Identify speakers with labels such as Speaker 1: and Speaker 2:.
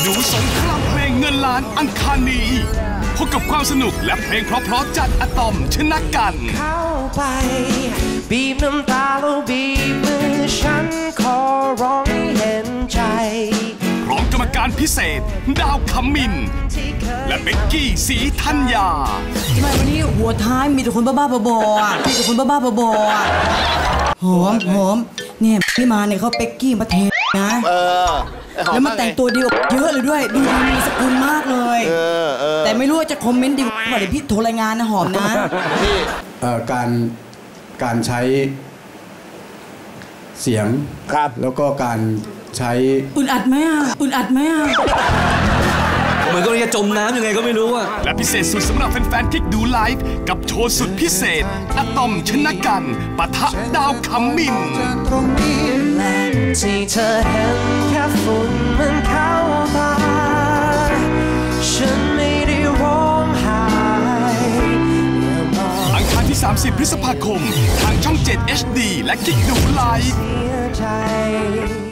Speaker 1: นูสงครามเพลงเงินล้านอังคารนี้พบกับความสนุกและเพลงเพราะๆจากอะตอมชนะกัน
Speaker 2: เข้าไปบีบน้ำตาแล้วบีบมือฉันขอร้องให้เห็นใจ
Speaker 1: พร้อมกรรมการพิเศษดาวคำมินและเบกกี้ศรีธัญญา
Speaker 3: ทำไมวันนี้หัวท้ายมีแต่คนบ้าๆบอๆมีแต่คนบ้าๆบอๆหอมเนี่ยพี่มาเนี่ยเขาเบกกี้มาเทนะแล้วมาแต่งตัวดีกว่าเยอะเลยด้วยดูดีมีสกุลมากเลยแต่ไม่รู้ว่าจะคอมเมนต์ดีกว่าเดี๋ยวพี่โทรรายงานนะหอมนะ
Speaker 4: การใช้เสียงครับแล้วก็การใช้
Speaker 3: อุ่นอัดไหม
Speaker 5: เหมือนกับจะจมน้ำยังไงก็ไม่รู้อะ
Speaker 1: และพิเศษสุดสำหรับแฟนๆที่ดูไลฟ์กับโชว์สุดพิเศษอะตอมชนะกันปะทะดาวคำมิน
Speaker 2: และที่เธอเห็นแค่ฝุ่นมันเข้าตาฉันไม่ได้ร้องไห้
Speaker 1: อังคารที่30 พฤษภาคมทางช่อง 7 HD และกิ๊กดูไลฟ์